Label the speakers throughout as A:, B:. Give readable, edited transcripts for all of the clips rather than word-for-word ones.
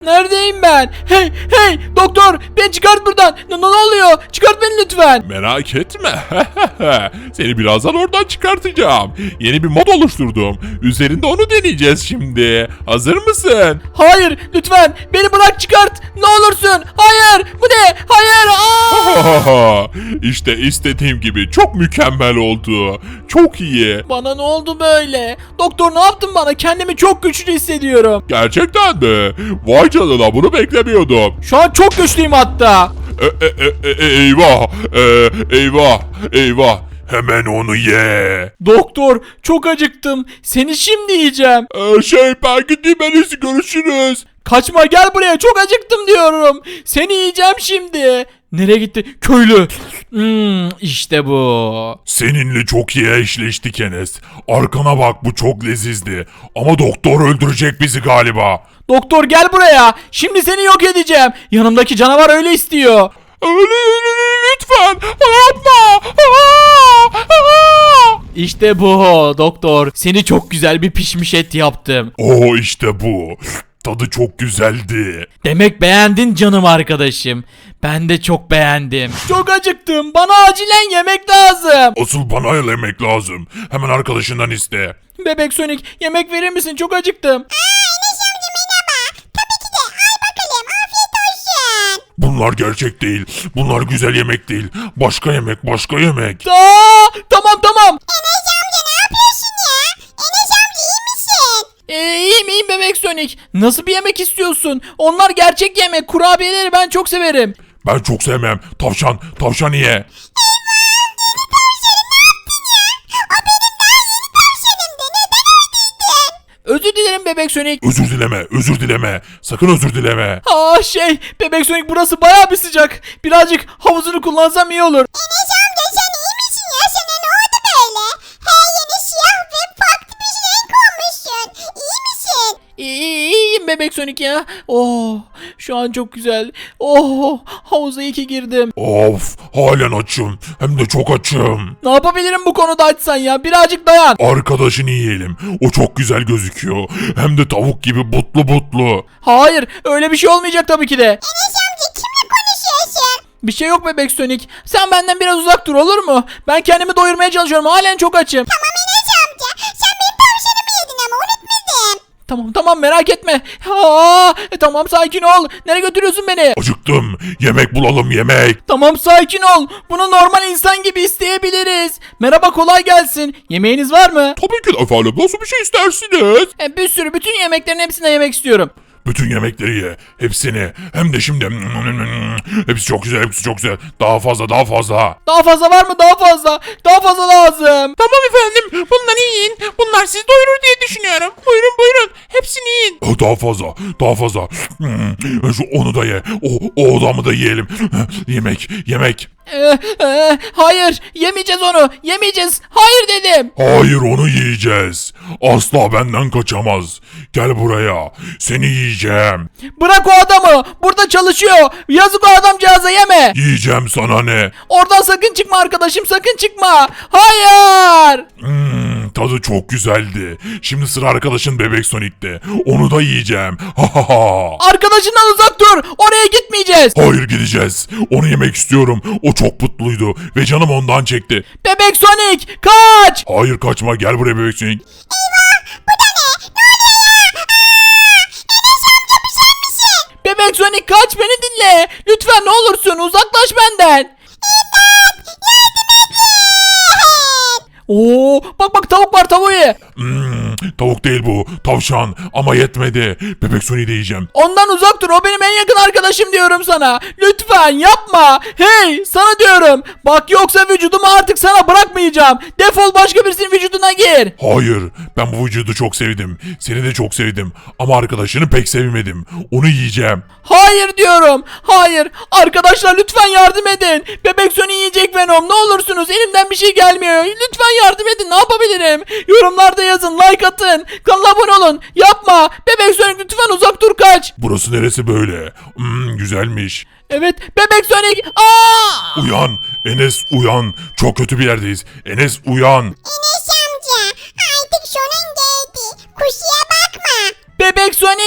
A: Neredeyim ben? Hey hey doktor beni çıkart buradan. Ne oluyor? Çıkart beni lütfen.
B: Merak etme. Seni birazdan oradan çıkartacağım. Yeni bir mod oluşturdum. Üzerinde onu deneyeceğiz şimdi. Hazır mısın?
A: Hayır lütfen beni bırak çıkart. Ne olursun. Hayır bu ne? Hayır.
B: İşte istediğim gibi çok mükemmel oldu. Çok iyi.
A: Bana ne oldu böyle? Doktor ne yaptın bana? Kendimi çok güçlü hissediyorum.
B: Gerçekten mi? Vay canına, bunu beklemiyordum.
A: Şu an çok güçlüyüm hatta.
B: Eyvah. Eyvah. Hemen onu ye.
A: Doktor çok acıktım. Seni şimdi yiyeceğim.
B: Ben gideyim, en iyisi görüşürüz.
A: Kaçma gel buraya çok acıktım diyorum. Seni yiyeceğim şimdi. Nereye gitti? Köylü. İşte bu.
B: Seninle çok iyi eşleştik Enes. Arkana bak, bu çok lezizdi. Ama doktor öldürecek bizi galiba.
A: Doktor gel buraya. Şimdi seni yok edeceğim. Yanımdaki canavar öyle istiyor.
B: Lütfen yapma.
A: İşte bu doktor. Seni çok güzel bir pişmiş et yaptım.
B: İşte bu. Tadı çok güzeldi.
A: Demek beğendin canım arkadaşım. Ben de çok beğendim. Çok acıktım. Bana acilen yemek lazım.
B: Asıl bana yemek lazım. Hemen arkadaşından iste.
A: Bebek Sonic yemek verir misin? Çok acıktım.
B: Bunlar gerçek değil. Bunlar güzel yemek değil. Başka yemek.
A: Tamam. İyiyim Bebek Sonic. Nasıl bir yemek istiyorsun? Onlar gerçek yemek. Kurabiyeleri ben çok severim.
B: Ben çok sevmem. Tavşan ye.
A: Özür dilerim Bebek Sonic.
B: Özür dileme. Sakın özür dileme.
A: Bebek Sonic burası bayağı bir sıcak. Birazcık havuzunu kullansam iyi olur. İyiyim Bebek Sonic ya. Şu an çok güzel. Havuza iyi ki girdim.
B: Of, halen açım. Hem de çok açım.
A: Ne yapabilirim bu konuda açsan ya? Birazcık dayan.
B: Arkadaşını yiyelim. O çok güzel gözüküyor. Hem de tavuk gibi butlu.
A: Hayır, öyle bir şey olmayacak tabii ki de. Bir şey yok Bebek Sonic. Sen benden biraz uzak dur olur mu? Ben kendimi doyurmaya çalışıyorum. Halen çok açım. Tamam merak etme. Tamam sakin ol. Nereye götürüyorsun beni?
B: Acıktım. Yemek bulalım, yemek.
A: Tamam sakin ol. Bunu normal insan gibi isteyebiliriz. Merhaba kolay gelsin. Yemeğiniz var mı?
B: Tabii ki de efendim. Nasıl bir şey istersiniz?
A: Bir sürü bütün yemeklerin hepsini yemek istiyorum.
B: Bütün yemekleri ye. Hepsini. Hem de şimdi. Hepsi çok güzel. Daha fazla.
A: Daha fazla var mı? Daha fazla lazım.
C: Tamam efendim, bunları yiyin. Bunlar sizi doyurur diye düşünüyorum. Buyurun. Hepsini yiyin.
B: Daha fazla. Onu da ye. O adamı da yiyelim. Yemek.
A: Hayır yemeyeceğiz onu. Yemeyeceğiz. Hayır dedim.
B: Hayır, onu yiyeceğiz. Asla benden kaçamaz. Gel buraya. Seni yiyeceğim.
A: Bırak o adamı. Burada çalışıyor. Yazık o adamcağıza yeme.
B: Yiyeceğim, sana ne?
A: Oradan sakın çıkma arkadaşım. Sakın çıkma. Hayır.
B: Tadı çok güzeldi. Şimdi sıra arkadaşın Bebek Sonic'te. Onu da yiyeceğim.
A: Arkadaşından uzak dur. Oraya gitmeyeceğiz.
B: Hayır, gideceğiz. Onu yemek istiyorum. O çok mutluydu ve canım ondan çekti.
A: Bebek Sonic kaç.
B: Hayır, kaçma. Gel buraya Bebek Sonic.
A: Bebek Sonic kaç beni dinle. Lütfen ne olursun uzaklaş benden. Bak tavuk var tavuğu ye.
B: Tavuk değil bu. Tavşan. Ama yetmedi. Bebek Sonic'i de yiyeceğim.
A: Ondan uzak dur o benim en yakın arkadaşım diyorum sana. Lütfen yapma. Hey sana diyorum. Bak yoksa vücudumu artık sana bırakmayacağım. Defol başka birisinin vücuduna gir.
B: Hayır. Ben bu vücudu çok sevdim. Seni de çok sevdim. Ama arkadaşını pek sevmedim. Onu yiyeceğim.
A: Hayır diyorum. Hayır. Arkadaşlar lütfen yardım edin. Bebek Sonic yiyecek Venom. Ne olursunuz elimden bir şey gelmiyor. Lütfen yardım edin. Ne yapabilirim? Yorumlarda yazın. Like atın. Kanala abone olun. Yapma. Bebek Sonic lütfen uzak dur kaç.
B: Burası neresi böyle? Güzelmiş.
A: Evet. Bebek Sonic.
B: Uyan. Enes uyan. Çok kötü bir yerdeyiz. Enes uyan.
D: Enes amca artık sonun geldi. Kusura bakma.
A: Bebek Sonic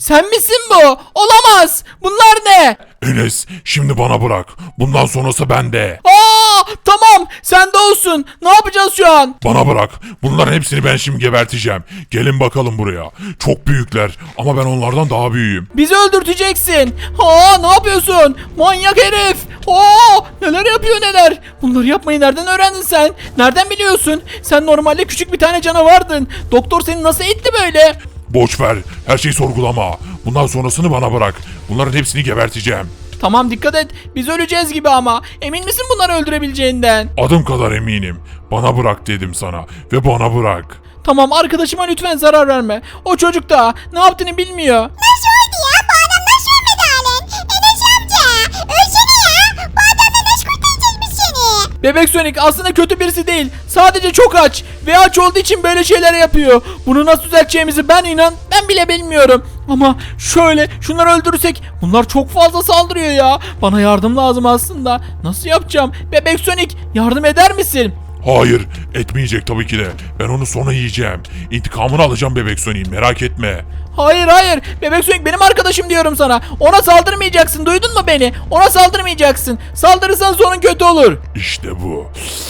A: Sen misin bu? Olamaz. Bunlar ne?
B: Enes şimdi bana bırak. Bundan sonrası bende.
A: Tamam sen de olsun. Ne yapacağız şu an?
B: Bana bırak. Bunların hepsini ben şimdi geberteceğim. Gelin bakalım buraya. Çok büyükler ama ben onlardan daha büyüğüm.
A: Bizi öldürteceksin. Ne yapıyorsun? Manyak herif. Neler yapıyor neler. Bunları yapmayı nereden öğrendin sen? Nereden biliyorsun? Sen normalde küçük bir tane canavardın. Doktor seni nasıl etti böyle?
B: Boş ver. Her şeyi sorgulama. Bundan sonrasını bana bırak. Bunların hepsini geberteceğim.
A: Tamam dikkat et. Biz öleceğiz gibi ama. Emin misin bunları öldürebileceğinden?
B: Adım kadar eminim. Bana bırak dedim sana ve bana bırak.
A: Tamam arkadaşıma lütfen zarar verme. O çocuk da ne yaptığını bilmiyor.
D: Nasıl oldu ya? Bu adam nasıl ölmedi halen? Enes amca. Ölsene ya. Bu adamla nasıl kurtaracağız biz seni?
A: Bebek Sonic aslında kötü birisi değil. Sadece çok aç. Ve aç olduğu için böyle şeyler yapıyor. Bunu nasıl düzelteceğimizi ben bile bilmiyorum. Ama şöyle şunları öldürürsek bunlar çok fazla saldırıyor ya. Bana yardım lazım aslında. Nasıl yapacağım? Bebek Sonic yardım eder misin?
B: Hayır, etmeyecek tabii ki de. Ben onu sonra yiyeceğim. İntikamını alacağım Bebek Sonic'in, merak etme.
A: Hayır. Bebek Sonic benim arkadaşım diyorum sana. Ona saldırmayacaksın. Duydun mu beni? Ona saldırmayacaksın. Saldırırsan sonun kötü olur.
B: İşte bu.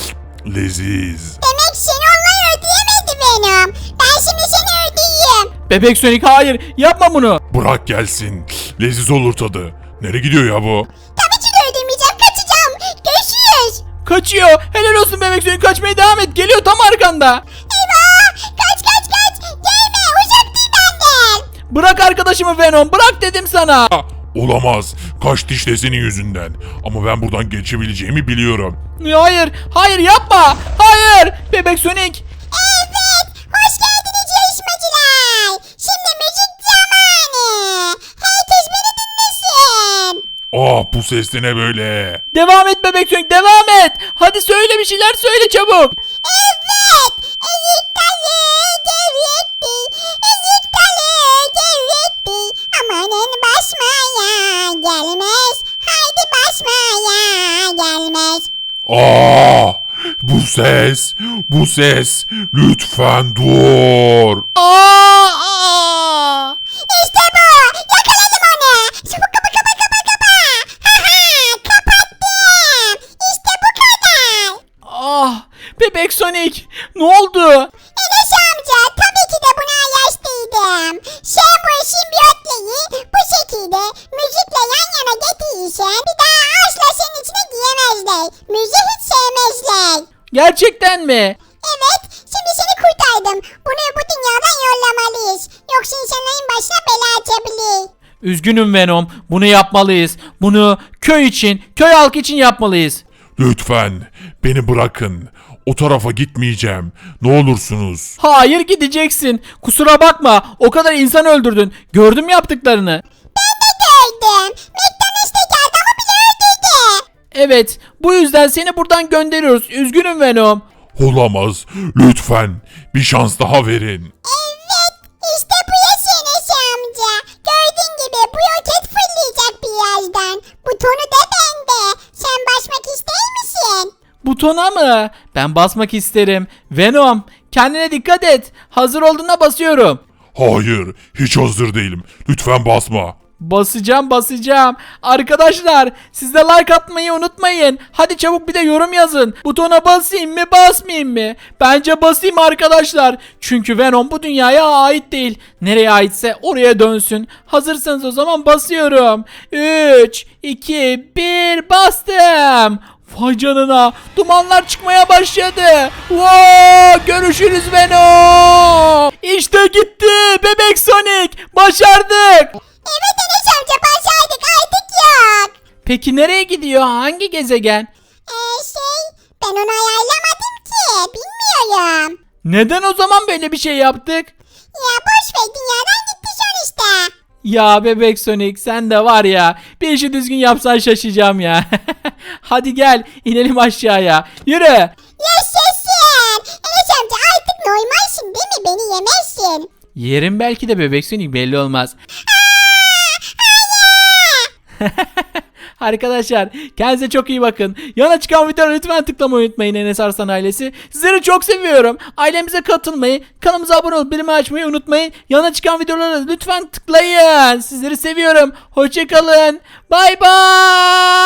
B: Leziz.
D: Demek seni onlar öldüremedi Venom. Ben şimdi seni öldüreyim.
A: Bebek Sonic hayır. Yapma bunu.
B: Bırak gelsin. Leziz olur tadı. Nereye gidiyor ya bu?
D: Tabii ki de öldürmeyeceğim. Kaçacağım. Görüşürüz.
A: Kaçıyor. Helal olsun Bebek Sonic, kaçmaya devam et. Geliyor tam arkanda.
D: Eyvah. Kaç. Gelme. Uzak değil benden.
A: Bırak arkadaşımı Venom. Bırak dedim sana.
B: Olamaz. Kaçtı işte senin yüzünden. Ama ben buradan geçebileceğimi biliyorum.
A: Hayır yapma. Hayır. Bebek Sonic.
D: Evet. Hoş geldiniz yarışmacılar. Şimdi müzik zamanı. Herkes beni dinlesin.
B: Bu ses de ne böyle?
A: Devam et Bebek Sonic, devam et. Hadi söyle, bir şeyler söyle çabuk.
D: Evet. Ezik dalı devretti. Ezik dalı devretti. Amanın basmaya gelmez. Haydi basmaya gelmez.
B: Bu ses. Lütfen dur.
D: İşte bu. Yakaladım onu. Çabuk kapa. Ha kapattım. İşte bu kadar.
A: Bebek Sonic, ne oldu?
D: Enes amca tabii ki de buna yaşlıydım. Sen bu simbiyotları bu şekilde müzikle yan yana getirirsen bir daha asla senin içine giyemezler. Müziği hiç sevmezler.
A: Gerçekten mi?
D: Evet, şimdi seni kurtardım. Bunu bu dünyadan yollamalıyız. Yoksa insanların başına bela açabilir.
A: Üzgünüm Venom, bunu yapmalıyız. Bunu köy halkı için yapmalıyız.
B: Lütfen beni bırakın. O tarafa gitmeyeceğim. Ne olursunuz.
A: Hayır, gideceksin. Kusura bakma, o kadar insan öldürdün. Gördüm yaptıklarını.
D: Gördüm. McDonald's geldi ama bile öldürdü.
A: Evet, bu yüzden seni buradan gönderiyoruz. Üzgünüm Venom.
B: Olamaz. Lütfen bir şans daha verin.
D: Evet, işte bu yaş Enes amca. Gördüğün gibi bu roket fırlayacak birazdan. Butonu da bende. Sen basmak ister misin?
A: Butona mı? Ben basmak isterim. Venom, kendine dikkat et. Hazır olduğunda basıyorum.
B: Hayır, hiç hazır değilim. Lütfen basma.
A: Basacağım. Arkadaşlar, siz de like atmayı unutmayın. Hadi çabuk bir de yorum yazın. Butona basayım mı basmayayım mı? Bence basayım arkadaşlar. Çünkü Venom bu dünyaya ait değil. Nereye aitse oraya dönsün. Hazırsanız o zaman basıyorum. 3, 2, 1 bastım. Vay canına, dumanlar çıkmaya başladı. Wow, görüşürüz Venom. İşte gitti Bebek Sonic. Başardık.
D: Evet Enes amca başardık artık yok.
A: Peki nereye gidiyor? Hangi gezegen?
D: Ben onu ayarlamadım ki. Bilmiyorum.
A: Neden o zaman böyle bir şey yaptık?
D: Ya boş ver dünyadan gitti sonuçta.
A: Ya Bebek Sonic, sen de var ya, bir işi düzgün yapsan şaşacağım ya. Hadi gel inelim aşağıya. Yürü.
D: Yaşasın. Enes amca artık normalsin değil mi? Beni yemezsin.
A: Yerim belki de Bebek Sonic, belli olmaz. Arkadaşlar kendinize çok iyi bakın. Yana çıkan videolara lütfen tıklamayı unutmayın Enes Arslan ailesi. Sizleri çok seviyorum. Ailemize katılmayı, kanalımıza abone olup bildirim açmayı unutmayın. Yana çıkan videolara lütfen tıklayın. Sizleri seviyorum. Hoşçakalın. Bay bay.